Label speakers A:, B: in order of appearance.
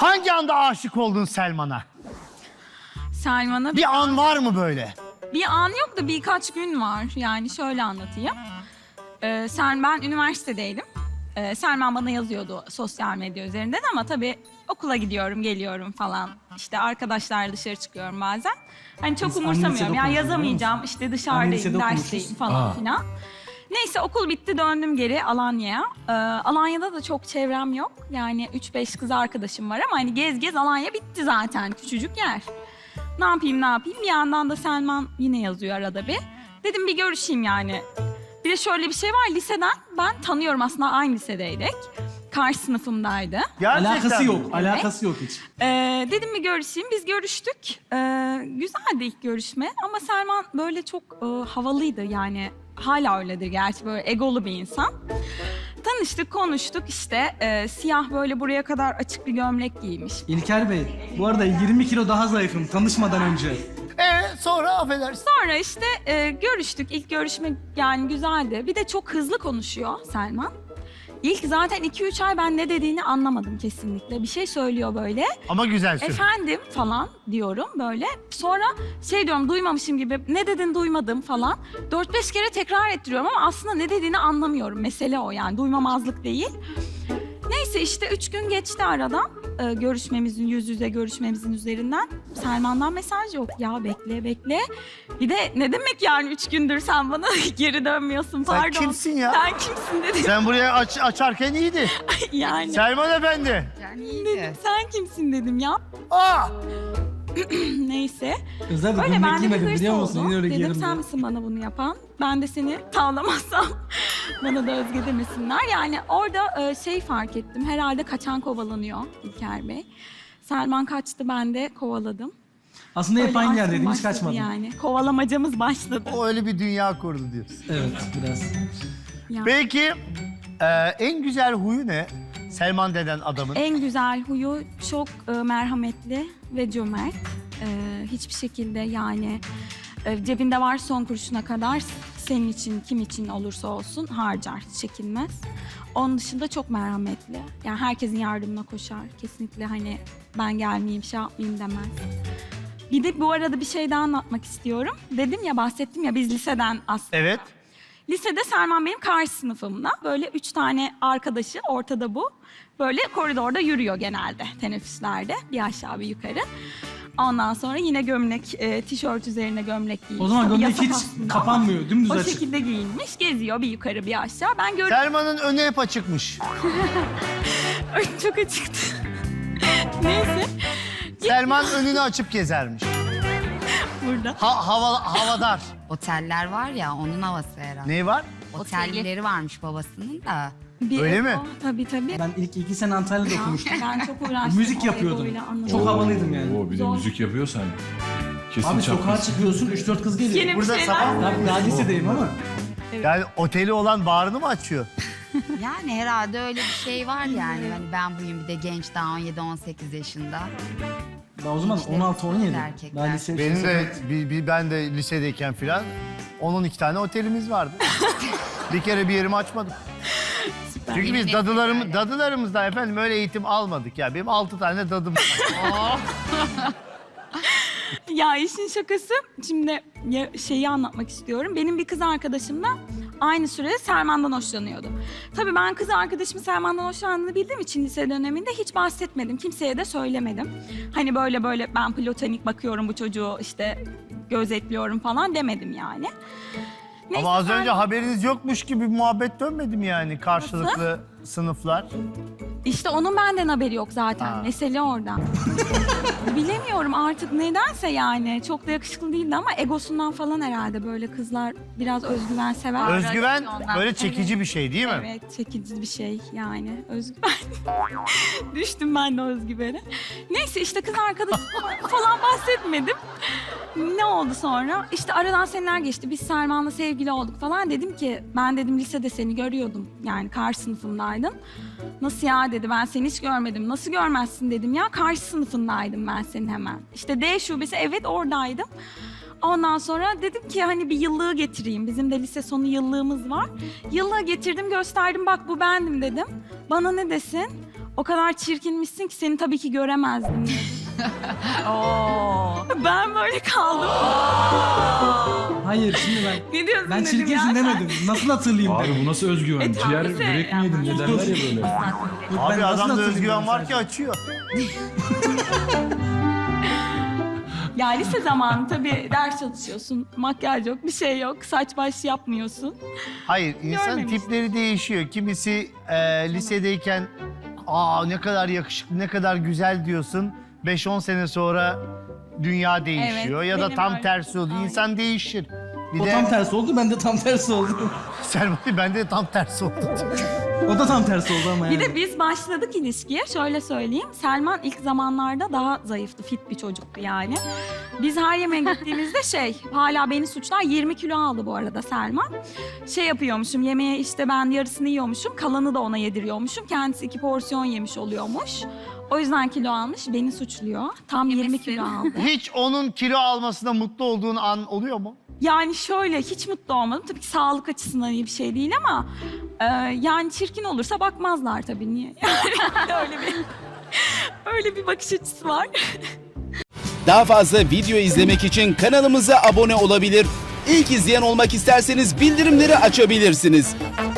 A: Hangi anda aşık oldun Selman'a?
B: Selman'a
A: Bir an var mı böyle?
B: bir an yok da birkaç gün var. Yani şöyle anlatayım. Ben üniversitedeydim. Selman bana yazıyordu sosyal medya üzerinden ama tabii okula gidiyorum, geliyorum falan. İşte arkadaşlarla dışarı çıkıyorum bazen. Hani çok
C: Biz aynı
B: umursamıyorum.
C: lisede
B: Yani
C: okumuşuz,
B: yazamayacağım. İşte
C: Aynı
B: dışarıdayım,
C: lisede
B: dersteyim
C: okumuşuz.
B: falan filan. Neyse okul bitti döndüm geri Alanya'ya. Alanya'da da çok çevrem yok. Yani 3-5 kız arkadaşım var ama hani gez gez Alanya bitti zaten. Küçücük yer. Ne yapayım? Bir yandan da Selman yine yazıyor arada bir. Dedim bir görüşeyim yani. Bir de şöyle bir şey var. Liseden ben tanıyorum aslında aynı lisedeydik. Karşı sınıfımdaydı.
A: Gerçekten
C: Alakası
A: mi?
C: yok, alakası yok hiç.
B: Dedim bir görüşeyim. Biz görüştük. Güzeldi ilk görüşme ama Selman böyle çok havalıydı yani. Hala öyledir gerçi böyle egolu bir insan. Tanıştık, konuştuk işte. Siyah böyle buraya kadar açık bir gömlek giymiş.
C: İlker Bey, bu arada 20 kilo daha zayıfım tanışmadan önce.
A: Sonra affedersin.
B: Sonra işte görüştük. İlk görüşme yani güzeldi. Bir de çok hızlı konuşuyor Selman. İlk zaten 2-3 ay ben ne dediğini anlamadım kesinlikle. Bir şey söylüyor böyle.
A: Ama güzel söylüyor.
B: Efendim falan diyorum böyle. Sonra şey diyorum duymamışım gibi ne dedin duymadım falan. 4-5 kere tekrar ettiriyorum ama aslında ne dediğini anlamıyorum. Mesele o yani duymamazlık değil. Neyse işte 3 gün geçti aradan. Görüşmemizin, yüz yüze görüşmemizin üzerinden. Selman'dan mesaj yok. Ya bekle. Bir de ne demek yani 3 gündür sen bana geri dönmüyorsun
A: Sen
B: pardon.
A: kimsin ya?
B: Sen kimsin dedim.
A: Sen buraya açarken iyiydi.
B: Yani
A: Selman Efendi.
B: dedim sen kimsin dedim ya.
A: Aa!
B: Neyse.
C: Özel bir
B: Öyle
C: gömlek
B: ben de bir
C: giymedim
B: hırs
C: biliyor musun?
B: oldu.
C: Yine öyle
B: Dedim
C: giyerim
B: sen
C: diye.
B: misin bana bunu yapan? Ben de seni tavlamazsam bana da Özge demesinler. Yani orada şey fark ettim. Herhalde kaçan kovalanıyor İlker Bey. Selman kaçtı ben de kovaladım.
C: Aslında hep
B: Öyle
C: aynı
B: aşkım
C: yerdeydim, hiç
B: başladı
C: kaçmadım.
B: Yani kovalamacamız başladı.
A: O öyle bir dünya kurdu diyorsun.
C: Evet, biraz.
B: Ya.
A: Peki en güzel huyu ne? Selman deden adamın.
B: En güzel huyu çok merhametli ve cömert. Hiçbir şekilde yani cebinde var son kuruşuna kadar senin için kim için olursa olsun harcar, çekinmez. Onun dışında çok merhametli. Yani herkesin yardımına koşar. Kesinlikle hani ben gelmeyeyim, şey yapmayayım demez. Bir de bu arada bir şey daha anlatmak istiyorum. Dedim ya bahsettim ya biz liseden aslında.
A: Evet.
B: Lisede Selman benim karşı sınıfımda. Böyle 3 tane arkadaşı ortada bu. Böyle koridorda yürüyor genelde teneffüslerde. Bir aşağı bir yukarı. Ondan sonra yine gömlek, tişört üzerine gömlek giymiş.
C: O zaman
B: Tabii
C: gömlek
B: yasak
C: hiç
B: aslında
C: kapanmıyor, dümdüz
B: ama o
C: açık.
B: şekilde giyinmiş, geziyor bir yukarı bir aşağı. Ben gördüm.
A: Selman'ın önü hep açıkmış.
B: Ay, çok açıktı. Neyse
A: Selman önünü açıp gezermiş.
B: burada.
A: Havadar.
D: Oteller var ya onun havası herhalde.
A: Ne var?
D: Otelleri varmış babasının da.
A: Öyle mi?
B: Tabii.
C: Ben ilk 2 sene Antalya'da okumuştum.
B: Ben çok uğraştım.
C: Müzik
B: o
C: yapıyordum.
B: egoyla, anladım.
C: Çok havalıydım yani.
E: Oo, bir de
B: Zor.
E: müzik yapıyorsan kesin
C: Abi sokağa
E: çarpmışsın.
C: çıkıyorsun, 3-4 kız geliyor.
B: Yeni bir
A: Burada
B: şeyler.
A: sabah-
C: Abi daha lisedeyim ama.
A: Yani oteli olan barını mı açıyor?
D: Yani herhalde öyle bir şey var yani. Hani ben buyum bir de genç daha 17-18 yaşında.
C: Ben o zaman
D: İşte
C: 16-17.
D: erkekler.
C: Daha lise
A: Benim de ben de lisedeyken filan 10-12 tane otelimiz vardı. Bir kere bir yerimi açmadım. Çünkü biz dadılarımızdan efendim öyle eğitim almadık ya. Benim 6 tane dadım var.
B: Ya işin şakası, şimdi şeyi anlatmak istiyorum. Benim bir kız arkadaşım da aynı sürede Selman'dan hoşlanıyordu. Tabii ben kız arkadaşımın Selman'dan hoşlandığını bildiğim için lise döneminde hiç bahsetmedim. Kimseye de söylemedim. Hani böyle ben platonik bakıyorum bu çocuğu işte gözetliyorum falan demedim yani. Neyse,
A: Ama az
B: ben-
A: önce haberiniz yokmuş gibi muhabbet dönmedim yani karşılıklı sınıflar.
B: İşte onun benden haberi yok zaten.
A: Ha.
B: Mesele orada. Bilemiyorum artık nedense yani. Çok da yakışıklı değildi ama egosundan falan herhalde böyle kızlar biraz özgüven sever.
A: Özgüven böyle çekici bir şey değil mi?
B: Evet, çekici bir şey yani. Özgüven. Düştüm ben de özgüvene. Neyse işte kız arkadaşım falan bahsetmedim. Ne oldu sonra? İşte aradan seneler geçti. Biz Selman'la sevgili olduk falan. Dedim ki ben dedim lisede seni görüyordum. Yani karşı sınıfımdaydın. Nasıl ya dedi, ben seni hiç görmedim. Nasıl görmezsin dedim ya, karşı sınıfındaydım ben senin hemen. İşte D şubesi, evet oradaydım. Ondan sonra dedim ki hani bir yıllığı getireyim. Bizim de lise sonu yıllığımız var. Yıllığı getirdim, gösterdim, bak bu bendim dedim. Bana ne desin? O kadar çirkinmişsin ki seni tabii ki göremezdim dedi. Ben böyle kaldım.
C: Hayır şimdi ben
B: Ne diyorsun
C: ben
B: dedim ya
C: çirkinsin
B: sen.
C: demedim. Nasıl hatırlayayım
E: Abi
C: dedim.
E: bu nasıl özgüven?
B: tabii
E: Ciğer
B: ki.
E: börek mi yedin? Ne derler ya böyle.
C: Yok, ben
A: Abi
C: nasıl
A: adamda
C: hatırlayayım
A: özgüven
C: dedim
A: var ki
C: sadece.
A: açıyor.
B: Ya lise zamanı tabii ders çalışıyorsun. Makyaj yok, bir şey yok. Saç baş yapmıyorsun.
A: Hayır, insan
B: Görmemiştim.
A: tipleri değişiyor. Kimisi lisedeyken ne kadar yakışıklı, ne kadar güzel diyorsun. 5-10 sene sonra dünya değişiyor.
B: Evet,
A: ya da
B: benim
A: tam
B: öyle.
A: tersi oluyor.
B: Aynen.
A: İnsan değişir. Bir
C: O
A: de
C: tam tersi oldu, ben de tam tersi oldum.
A: Selma bende de tam tersi oldu.
C: O da tam tersi oldu ama yani.
B: Bir de biz başladık ilişkiye. Şöyle söyleyeyim. Selman ilk zamanlarda daha zayıftı. Fit bir çocuktu yani. Biz her yemeğe gittiğimizde hala beni suçlar. 20 kilo aldı bu arada Selman. Yapıyormuşum. Yemeğe işte ben yarısını yiyormuşum. Kalanı da ona yediriyormuşum. Kendisi 2 porsiyon yemiş oluyormuş. O yüzden kilo almış. Beni suçluyor. Tam 20 kilo aldı.
A: Hiç onun kilo almasına mutlu olduğun an oluyor mu?
B: Yani şöyle hiç mutlu olmadım. Tabii ki sağlık açısından iyi bir şey değil ama yani çirkin olursa bakmazlar tabii niye? Yani öyle bir bakış açısı var.
F: Daha fazla video izlemek için kanalımıza abone olabilir. İlk izleyen olmak isterseniz bildirimleri açabilirsiniz.